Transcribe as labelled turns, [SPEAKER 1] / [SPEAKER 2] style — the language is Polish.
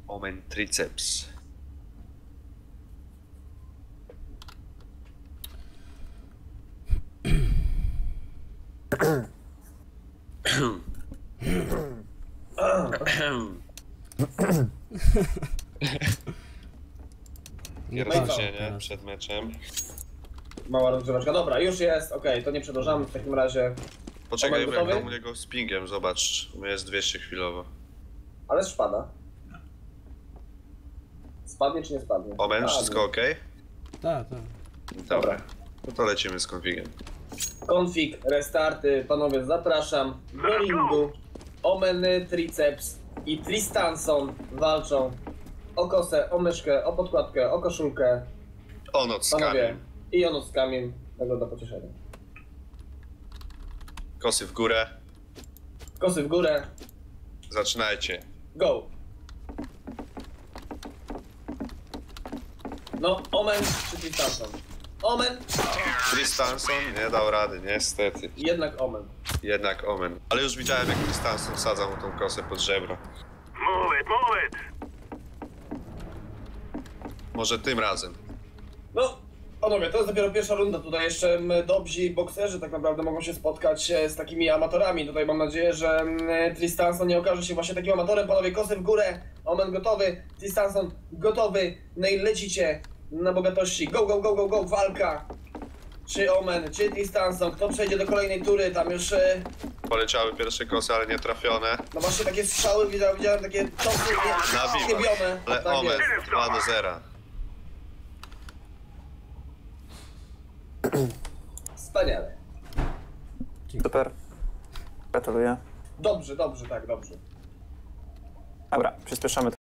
[SPEAKER 1] Omen triceps. Pierdzenie przed meczem.
[SPEAKER 2] Mała rozgrzeweczka. Dobra, już jest, okej, to nie przedłużamy w takim razie.
[SPEAKER 1] Poczekaj,
[SPEAKER 2] Omen
[SPEAKER 1] jak
[SPEAKER 2] gotowy?
[SPEAKER 1] tam u niego z pingiem, zobacz. U mnie jest 200 chwilowo.
[SPEAKER 2] Ale spada. Spadnie czy nie spadnie?
[SPEAKER 1] Omen,
[SPEAKER 2] Spadnie.
[SPEAKER 1] wszystko ok?
[SPEAKER 3] Tak.
[SPEAKER 1] Dobra. No to lecimy z konfigiem.
[SPEAKER 2] Config, restarty, panowie zapraszam. Do ringu. Omeny, triceps i Tristanson walczą o kosę, o myszkę, o podkładkę, o koszulkę.
[SPEAKER 1] O noc z
[SPEAKER 2] Panowie.
[SPEAKER 1] kamień.
[SPEAKER 2] I ono z kamień. Tego do pocieszenia.
[SPEAKER 1] Kosy w górę.
[SPEAKER 2] Kosy w górę.
[SPEAKER 1] Zaczynajcie.
[SPEAKER 2] Go! No, Omen czy Tristanson? Omen!
[SPEAKER 1] Tristanson nie dał rady, niestety.
[SPEAKER 2] Jednak Omen.
[SPEAKER 1] Jednak Omen. Ale już widziałem, jak Tristanson wsadzał mu tą kosę pod żebro.
[SPEAKER 4] Move it!
[SPEAKER 1] Może tym razem.
[SPEAKER 2] No, panowie, to jest dopiero pierwsza runda. Tutaj jeszcze dobrzy bokserzy tak naprawdę mogą się spotkać z takimi amatorami. Tutaj mam nadzieję, że Tristanson nie okaże się właśnie takim amatorem. Panowie, kosy w górę. Omen gotowy. Tristanson gotowy. No i lecicie na bogatości. Go, go, go, go, go. Walka. Czy Omen, czy Tristanson. Kto przejdzie do kolejnej tury? Tam już...
[SPEAKER 1] Poleciały pierwsze kosy, ale nie trafione.
[SPEAKER 2] No właśnie takie strzały, widziałem takie czosy chybione.
[SPEAKER 1] Ale
[SPEAKER 2] Tak
[SPEAKER 1] Omen
[SPEAKER 2] jest.
[SPEAKER 1] 2-0.
[SPEAKER 2] Wspaniale.
[SPEAKER 5] Super. Gratuluję.
[SPEAKER 2] Dobrze, dobrze, tak, dobrze.
[SPEAKER 5] Dobra, przyspieszamy